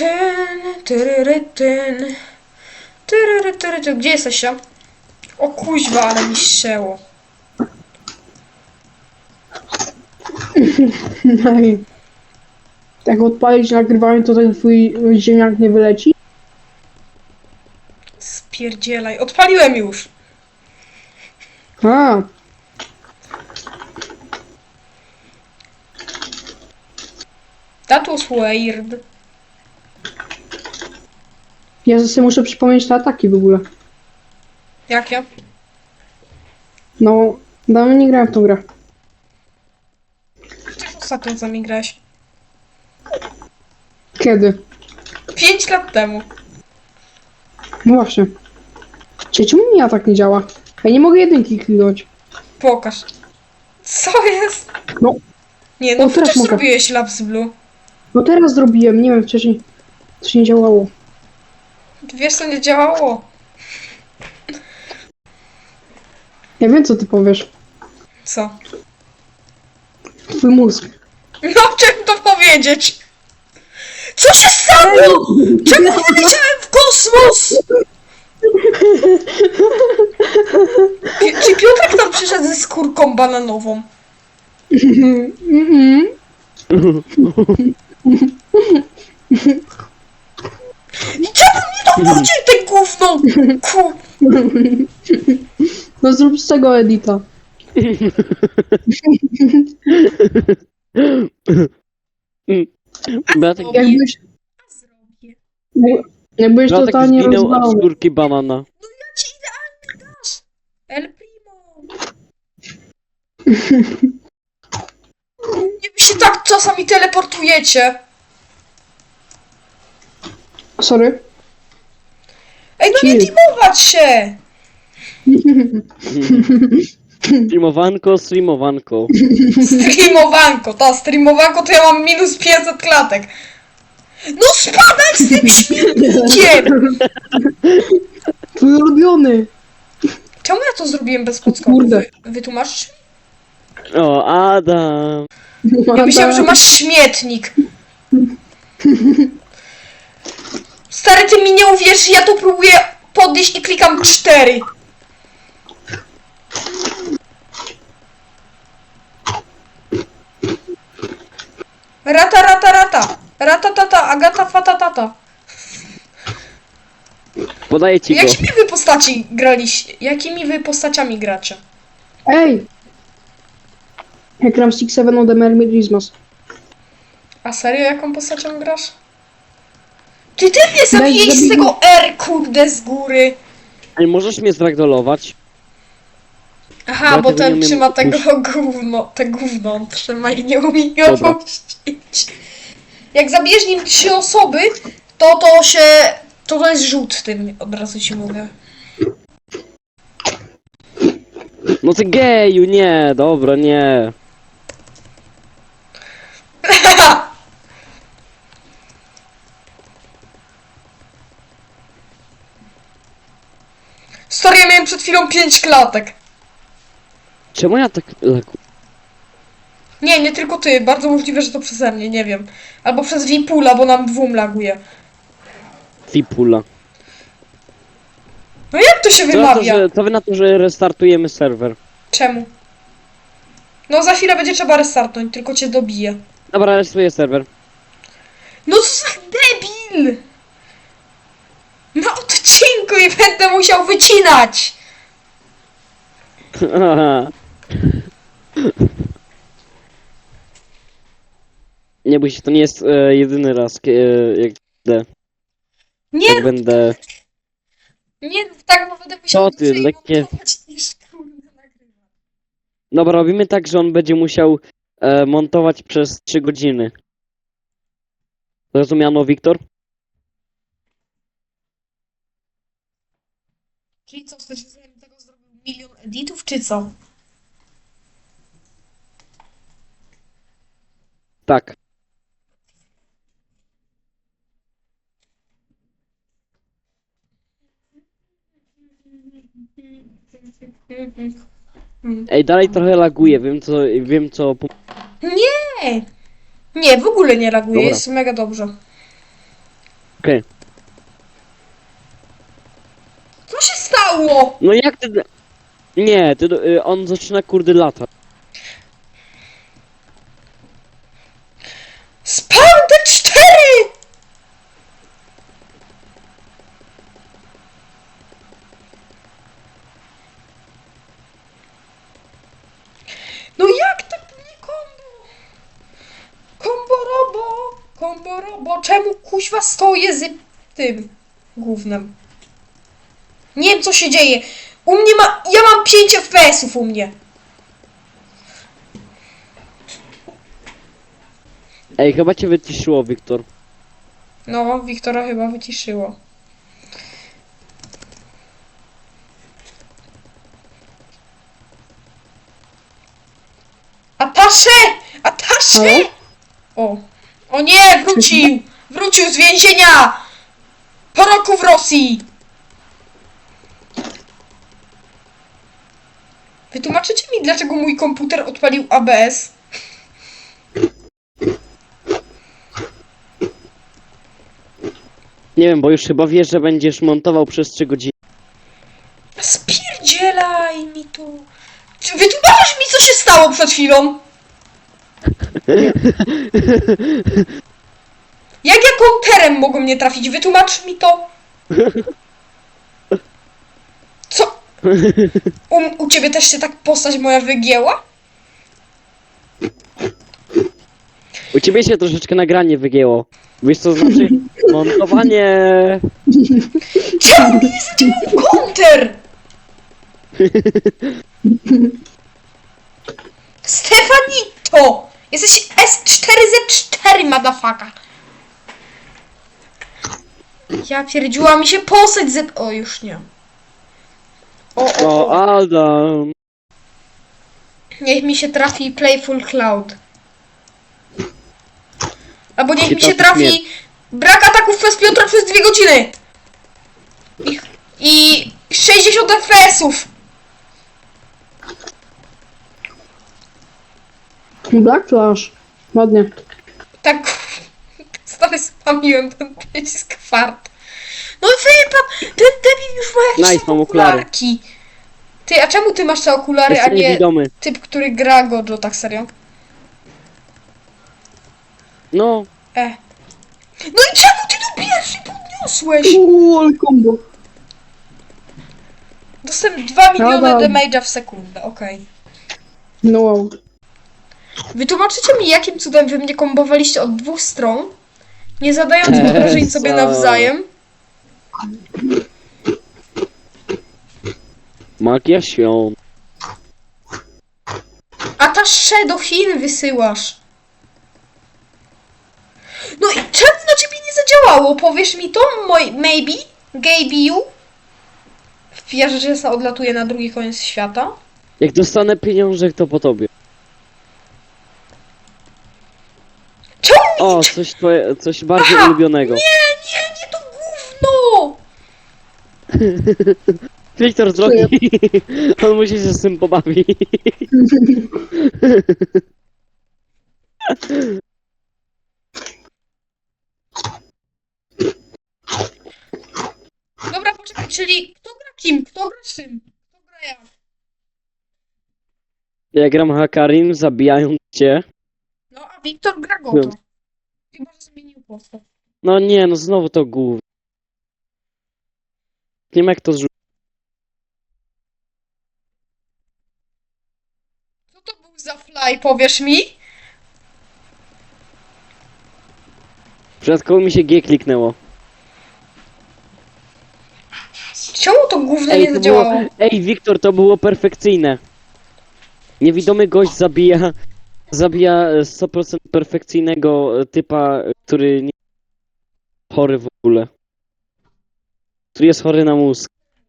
Gdzie jesteście? O kuźwa, ale mi ścięło. Ej. Jak odpalić nagrywanie, to ten twój ziemniak nie wyleci? Spierdzielaj. Odpaliłem już. A, That was weird. ja sobie muszę przypomnieć te ataki w ogóle. Jakie? No, dawno nie grałem w tą grę. Ty ostatnio z nami grałeś. Kiedy? 5 lat temu. No właśnie. Czemu mi atak nie działa? Ja nie mogę jedynki kliknąć. Pokaż. Co jest? No. Nie, no O, teraz przecież mogę. zrobiłeś Labs Blue. No teraz zrobiłem, nie wiem, wcześniej coś nie działało. Wiesz co nie działało? Ja wiem, co ty powiesz. Co? Twój mózg. No chciałem to powiedzieć. Co się stało? Czemu wyleciałem w kosmos? Czy Piotrek tam przyszedł ze skórką bananową? I czemu mnie tam wrócił ten gówno? Ku... No zrób z tego edita. Beatek, Jakbyś, jakbyś Beatek totalnie zginął od rozwalony. skórki banana. Ja ci idealnie dasz! El Primo! Nie wy się tak czasami teleportujecie. Sorry. Ej, no nie Chill. teamować się! Streamowanko. Streamowanko, streamowanko to ja mam minus 500 klatek. No spadaj z tym śmieciem! Twój ulubiony. Czemu ja to zrobiłem bez podskoku? Kurde. Wytłumaczysz mi? O, Adam. Ja myślałem, że masz śmietnik. Stary, ty mi nie uwierzysz, ja tu próbuję podnieść i klikam 4. Rata, rata, rata. Ratatata, agata, fatatata. Podaję ci go. Jakimi wy postaci graliście? Jakimi wy postaciami gracie? Ej! Jak gram Six Seven od Emermizmas. A serio, jaką postacią grasz? Ty mnie zabijesz z zabij- tego R, kurde, z góry. Ej, możesz mnie zragdolować? Aha, Ja bo tego nie ten umiem trzyma tego opuścić. gówno, te gówno on trzyma i nie umie go Dobra. opuścić. Jak zabijesz nim 3 osoby, to jest rzut tym, od razu ci mówię. No ty geju, nie, dobra, nie. Stary, ja miałem przed chwilą 5 klatek. Czemu ja tak lagu? Nie tylko ty, bardzo możliwe, że to przeze mnie, nie wiem. Albo przez Vipula, bo nam dwóm laguje. Fipula. No jak to się wymawia? Co wy na to, że restartujemy serwer? Czemu? No za chwilę będzie trzeba restartnąć, tylko cię dobiję. Dobra, rejestruję serwer. No co za debil! Na odcinku i będę musiał wycinać! Nie bój się, to nie jest jedyny raz, jak Nie, tak będę... nie, tak, bo będę musiał Co ty, lekkie- montować niż kurde nagrywać. Dobra, robimy tak, że on będzie musiał montować przez 3 godziny. Zrozumiano, Wiktor? Czyli co, chcesz, żebym tego zrobił 1 000 000 editów, czy co? Tak. Ej, dalej trochę laguje, wiem co... Nie! Nie, w ogóle nie laguje, Dobra. jest mega dobrze. Okej. Co się stało? No jak ty... Nie, on zaczyna kurde latać. Spam te 4! No jak tak nie kombo? Kombo robo, czemu kuźwa stoję z tym gównem? Nie wiem co się dzieje. U mnie ja mam 5 FPS-ów u mnie. Ej, chyba cię wyciszyło, Wiktor. No, Wiktora chyba wyciszyło. Atasze! Atasze! Halo? O. O nie, wrócił! Wrócił z więzienia! Po roku w Rosji! Wytłumaczycie mi, dlaczego mój komputer odpalił ABS? Nie wiem, bo już chyba wiesz, że będziesz montował przez 3 godziny. Spierdzielaj mi tu. Czy wytłumaczysz mi, co się stało przed chwilą? Jak ja konterem mogą mnie trafić? Wytłumacz mi to. Co? U ciebie też się tak postać moja wygięła? U ciebie się troszeczkę nagranie wygięło. Wiesz co znaczy? Montowanie... Czemu mi nie zadziałał konter? Stefanito! Jesteś S4Z4, motherfucker. Ja pierdziła mi się postać Z... O, już nie. O, Adam. Niech mi się trafi Playful Cloud. Albo niech Ci mi się trafi trafi brak ataków przez Piotra przez 2 godziny. I 60 FPS-ów. Black Flash. Ładnie. Tak, stary spamiłem ten przycisk fart. No wypad, ten debil już ma jakieś Nice, tam mam okulary. okularki. Ty, a czemu ty masz te okulary, a Jestem nie niewidomy. typ, który gra Gojo, tak serio? No, No i czemu ty to pierwszy podniosłeś? Ale combo. Dostałem 2 miliony Adam. damage'a w sekundę, okej. No wow. Wytłumaczycie mi, jakim cudem wy mnie kombowaliście od 2 stron, nie zadając obrażeń sobie Co? nawzajem? magia świąt. A ta do Chin wysyłasz. No i czemu na ciebie nie zadziałało? Powiesz mi to? Maybe? Gabe you? Wpijasz, że się odlatuje na drugi koniec świata? Jak dostanę pieniążek, to po tobie. Czemu mi O, coś bardziej Aha, ulubionego. nie to gówno! Wiktor drogi. On musi się z tym pobawić. Dobra, poczekaj, czyli kto gra kim? Kto gra czym? Kto gra jak? Ja gram Hakarim, zabijając cię. No, a Wiktor gra Goto. Chyba, że zmienił postać. No nie, no znowu to głów. Nie wiem jak to zrzucić. Co to był za fly, powiesz mi? W przypadku mi się G kliknęło. Czemu to gówno Ej, nie to zadziałało? było... Ej, Wiktor, to było perfekcyjne. Niewidomy gość zabija 100% perfekcyjnego typa, który nie chory w ogóle. Który jest chory na mózg.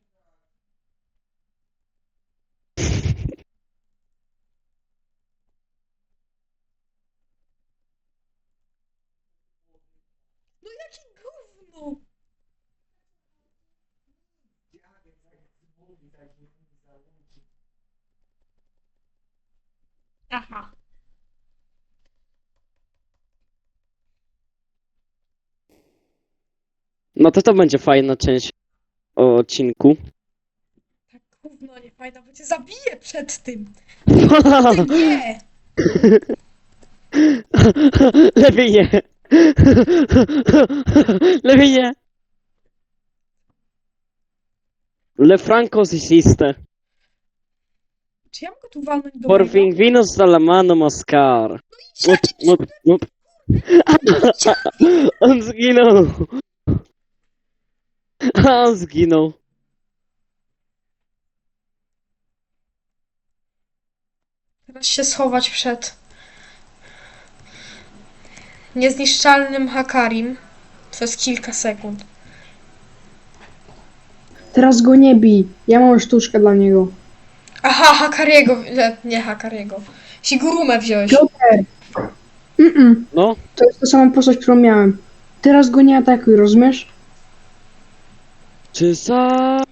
No jakie gówno! Aha. No to będzie fajna część o odcinku. Tak gówno nie fajna, bo cię zabiję przed tym. Ty nie! Lepiej nie. Lepiej nie. Le Franco esiste. Czy ja mogę tu walnąć do Por mojego? fin vino la mano Mascar. On zginął. On zginął. Teraz się schować przed niezniszczalnym Hakarim przez kilka sekund. Teraz go nie bij. Ja mam sztuczkę dla niego. Aha, Hakariego, nie Hakariego. Sigurumę wziąłeś. Piotr! No, To jest ta sama postać, którą miałem. Teraz go nie atakuj, rozumiesz? czy za...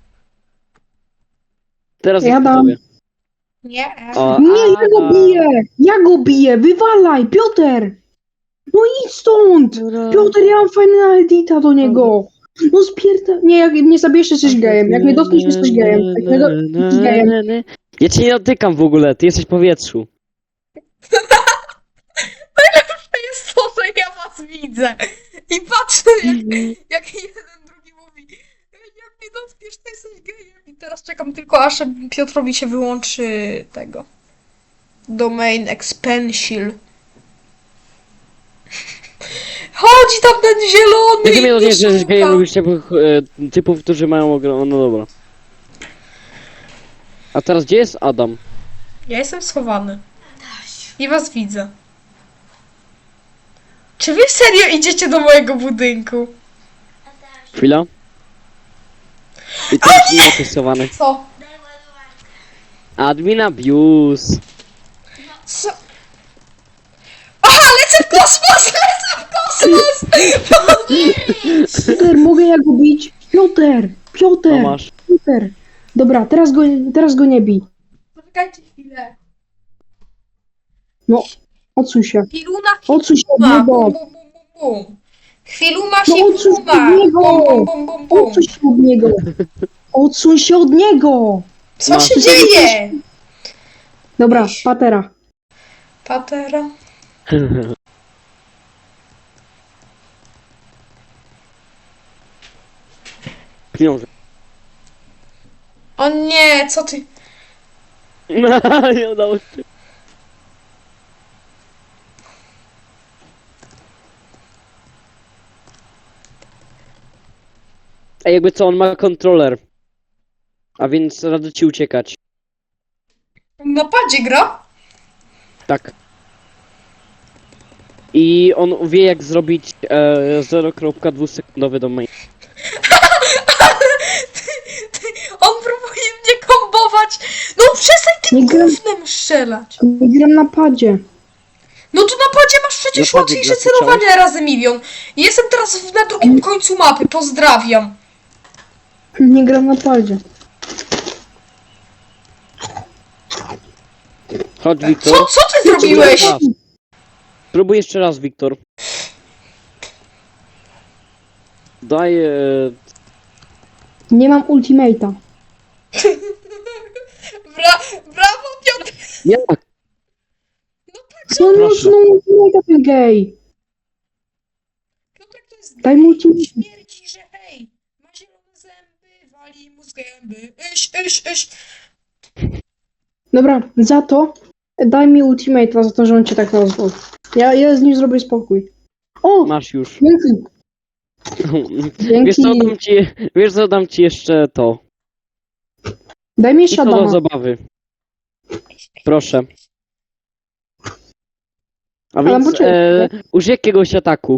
Teraz Ja jest po dam. tobie. Nie. O, Nie, ja go a- biję! Ja go biję! Wywalaj! Piotr! No idź stąd! Piotr, ja mam fajny edita do niego! No spierda... Nie, jak mnie zabijesz, jesteś gejem. Jak mnie dotkniesz, jesteś gejem. Jak mnie jesteś gejem. Ja cię nie dotykam w ogóle, ty jesteś w powietrzu. To jest to, że ja was widzę. I patrzę, jak jeden drugi mówi, jak mnie dotkniesz, to jesteś gejem. I teraz czekam tylko, aż Piotrowi się wyłączy tego. Domain expansion. Chodzi tam ten zielony! Jak mnie dotkniesz, że jesteś szuka. gejem, lubisz typów, którzy mają ogromne... No dobra. A teraz gdzie jest Adam? Ja jestem schowany. I was widzę. Czy wy serio idziecie do mojego budynku? Chwila. I to jest nieopisowany. Co? Admin abuse. Co? Aha, lecę w kosmos! Lecę w kosmos! Piotr, mogę ja go bić? Piotr! Piotr! No masz. Piotr! Dobra, teraz go nie bij. Poczekajcie chwilę. No, odsuń się. Chwiluna, Odsuń się od chwiluma, niego. bum, bum, bum, bum, bum. Chwiluma, No odsuń się chwiluma, od niego. bum, bum, bum, bum, bum. Odsuń się od niego. Odsuń się od niego. Co No. się dzieje? Dobra, patera. Patera. Pieniądze. O nie, co ty? Nie udało się. Ej, jakby co, on ma kontroler. A więc radzę ci uciekać. Na padzie gra? Tak. I on wie jak zrobić 0,2 sekundowy domain. On próbuje mnie kombować. No przestań tym Nie gram. gównem strzelać. Nie gram na padzie. No to na padzie masz przecież Na padzie łatwiejsze grasz, celowanie razy milion. Jestem teraz na drugim końcu mapy, pozdrawiam. Nie gram na padzie. Chodź, Wiktor. Co ty zrobiłeś? Raz. Spróbuj jeszcze raz, Wiktor. Daj... Nie mam ultimate'a. Brawo, Piotr. Jak? No Proszę. no ultimate'a ten gej. Piotrek to jest Daj mu ultimate'a. śmierci, że hej, ma zielone zęby, wali mu z gęby. Iś. Dobra, za to daj mi ultimate'a, za to, że on cię tak nazwał. Ja z nim zrobię spokój. O! Masz już. Dzięki. Wiesz co, Dzięki. dam ci jeszcze to. Daj mi I jeszcze to do Adama. zabawy. Proszę. A Ale więc poczekaj. użyj jakiegoś ataku.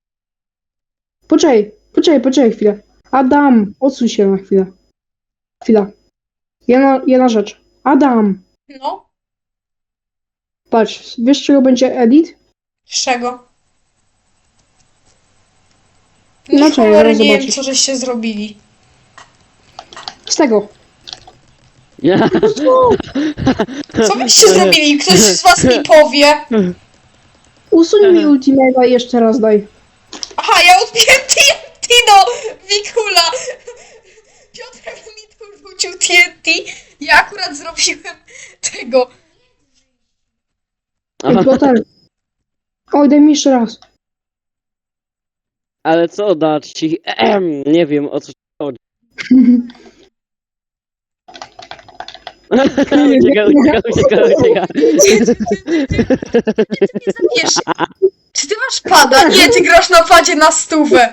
Poczekaj chwilę. Adam, odsuń się na chwilę. Chwila. Jedna rzecz. Adam, No, patrz, wiesz czego będzie edit? z czego? No No, czekaj, cholery, zaraz nie wiem, zobaczysz. co żeście zrobili. Z tego. Co byście zrobili? Ktoś z was mi powie. Usuń mi ultimate'a i jeszcze raz daj. Aha, ja odbiłem TNT, no! zabiłem tego. Ej, Aha, Piotr. Oj, daj mi jeszcze raz. ale co dać ci? Nie wiem o co ci chodzi. Ucieka. Zabijesz. Czy ty masz pada? Nie, ty grasz na padzie na stówę.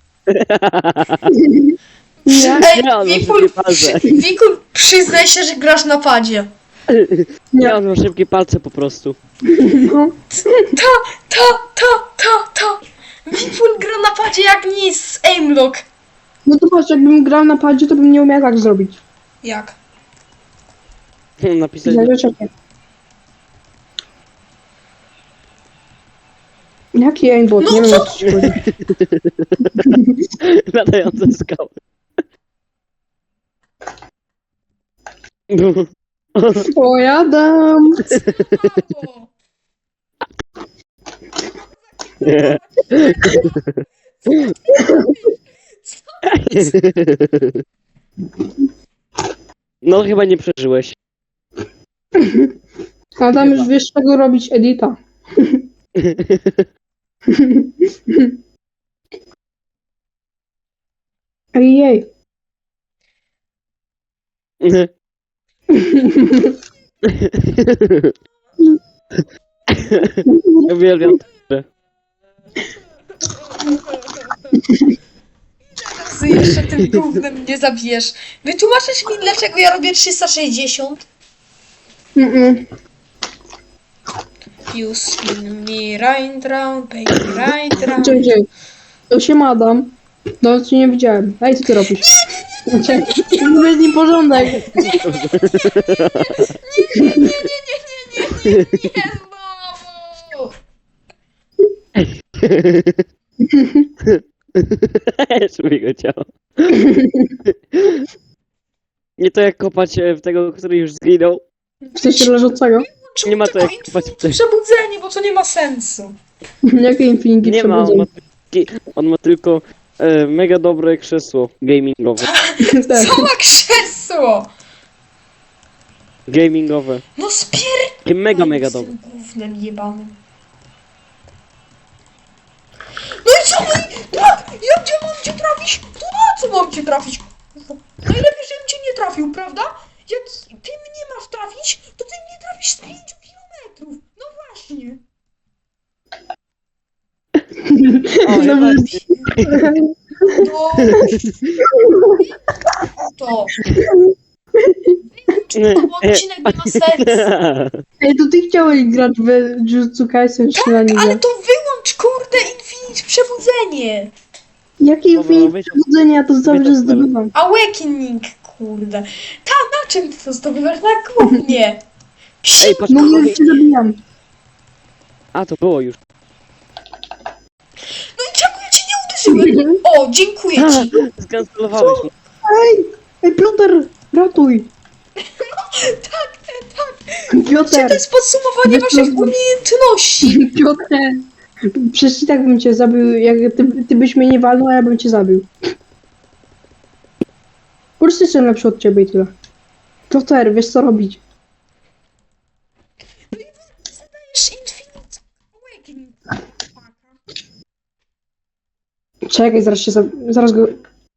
Nie, Ej, Nie, on ma Wikul, szybkie palce. Wikul, przyznaj się, że grasz na padzie. Nie, on ma szybkie palce po prostu. no. Ta. Wikul gra na padzie jak nic z aimlock. No to patrz, jakbym grał na padzie, to bym nie umiał tak zrobić. Jak? Napisać Czekaj. Jaki aimbot? No Nie wiem, co? o co ci chodzi. latające skały. O, jadam. Mało. No chyba nie przeżyłeś. A tam Chyba. już wiesz, czego robić edita. Ej. Uwielbiam to. Ty jeszcze tym gównem mnie zabijesz. Wytłumaczysz mi, dlaczego ja robię 360? You spin me right round, baby, right round. Czekaj. To się madam. No, cię nie widziałem. Ej, co ty robisz? To jest nieporządek. Nie znowu! Czuję go ciało. Nie to jak kopać w tego, który już zginął. W sensie leżącego. Czemu Nie ma to tylko jak kopać w tego. przebudzenie, bo to nie ma sensu. Jakie Infinity Nie ma, przebudzenie? on ma tylko mega dobre krzesło gamingowe. Tak. Co ma krzesło? Gamingowe. No spier... Takie mega dobre. Z tym gównem jebanym. No i co? No i tak! Ja gdzie mam cię trafić? To na co mam cię trafić? Najlepiej, żebym cię nie trafił, prawda? Jak ty mnie masz trafić, to ty mnie trafisz z 5 kilometrów. No właśnie. O, No, ja No. To. Bo odcinek nie ma sensu. Ej, to ty chciałeś grać w Jujutsu Kaisen czy na nim? Ale to wyłącz, kurde, Infinite Przebudzenie. Jakie Dobra, Infinity weź- przebudzenie? Ja to cały weź czas to spell. zdobywam. Awakening, kurde. Na czym ty to zdobywasz? Na głównie. Ej, patrz, No ja cię zabijam. a to było już. No i czemu ja cię nie uderzyłem? O, dziękuję ci. Skancelowałeś mnie. Ej, Piotr, ratuj. Tak. Czy Piotr, to jest podsumowanie Wiesz, waszych no- umiejętności? Piotr. Przecież i tak bym cię zabił, jak ty byś mnie nie walnął, a ja bym cię zabił. Po prostu jestem lepszy od ciebie i tyle. Piotr, wiesz co robić. Zadajesz Infinite Awakening. Czekaj, zaraz go...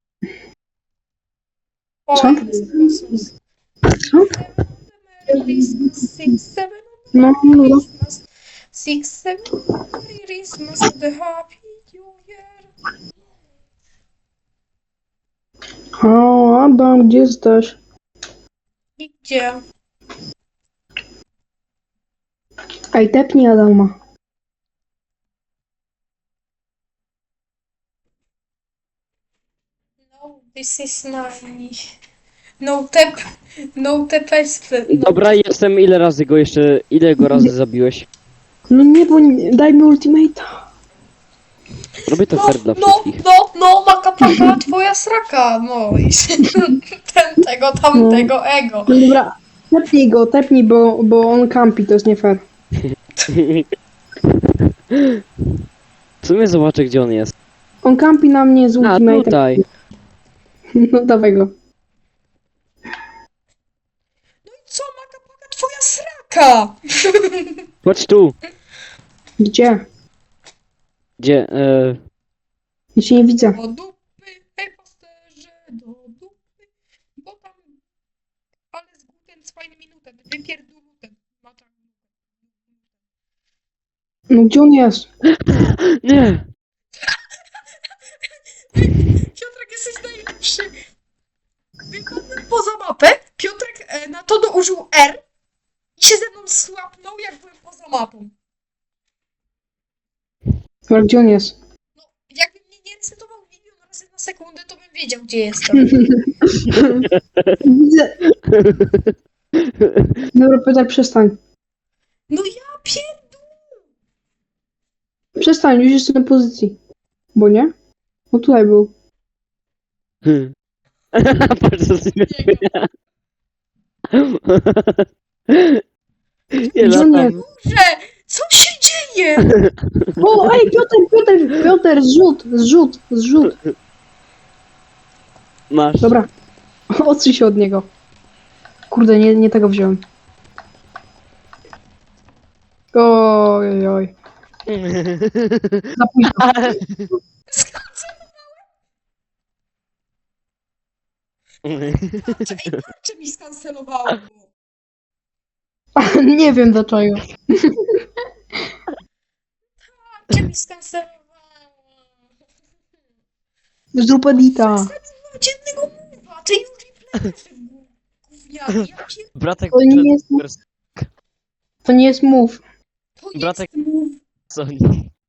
O, Co? Christmas. Co? Christmas, 6, 7, No. Christmas, 6, 7, Christmas, the happy New Year. O, Adam, gdzie jesteś? I gdzie? Ej, tepnij Adama. No, this is my... No tap jest... No. Dobra, jestem. Ile go razy zabiłeś? No nie, bo daj mi ultimate'a. Robię to fair dla wszystkich. Maka paka, twoja sraka, no i tego, tamtego, ego. No dobra, tepnij, bo on campi, to jest nie fair. W sumie zobaczę, gdzie on jest. On campi na mnie z A, ultimate'em. tutaj. No dawaj go. No i co, Jaka? Chodź tu. Gdzie? Gdzie? Ja cię nie widzę. Do dupy, hej pasterze, do dupy, bo tam, ale z guten 2 Minuten, wypierdoluten. No gdzie on jest? Nie! Piotrek, jesteś najlepszy. Wypadłem poza mapę, Piotrek na to użył R i się ze mną słapnął, jak byłem poza mapą. Ale gdzie on jest? No, jakby mnie nie resetował milion razy na sekundę, to bym wiedział, gdzie jestem. Widzę. Dobra, Piotr, przestań. No ja pierdolę. Przestań, już jestem na pozycji. Bo nie? No tutaj był. Patrz, co z nim Niego. Ja Gdzie on latam. jest? Boże, co się dzieje? O, ej, Piotr, zrzut. Masz. Dobra. Odsuń się od niego. Kurde, nie tego wziąłem. Oj. Za późno. Tarczę mi skancelowało. Nie wiem dlaczego. Tarczę mi skancelowało. Zrób edita. Zostawił dziennego mowa, ty już playerze gówniany. Ja pier... Bratek To nie jest, przed to nie jest move. To Bratek- jest mów. Sony.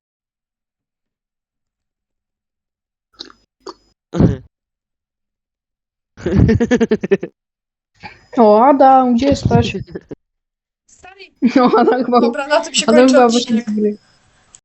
O, Adam, gdzie jesteś? Stary, No, Adam chyba, dobra, na tym się Adam kończy chyba odcinek. wyszedł z gry.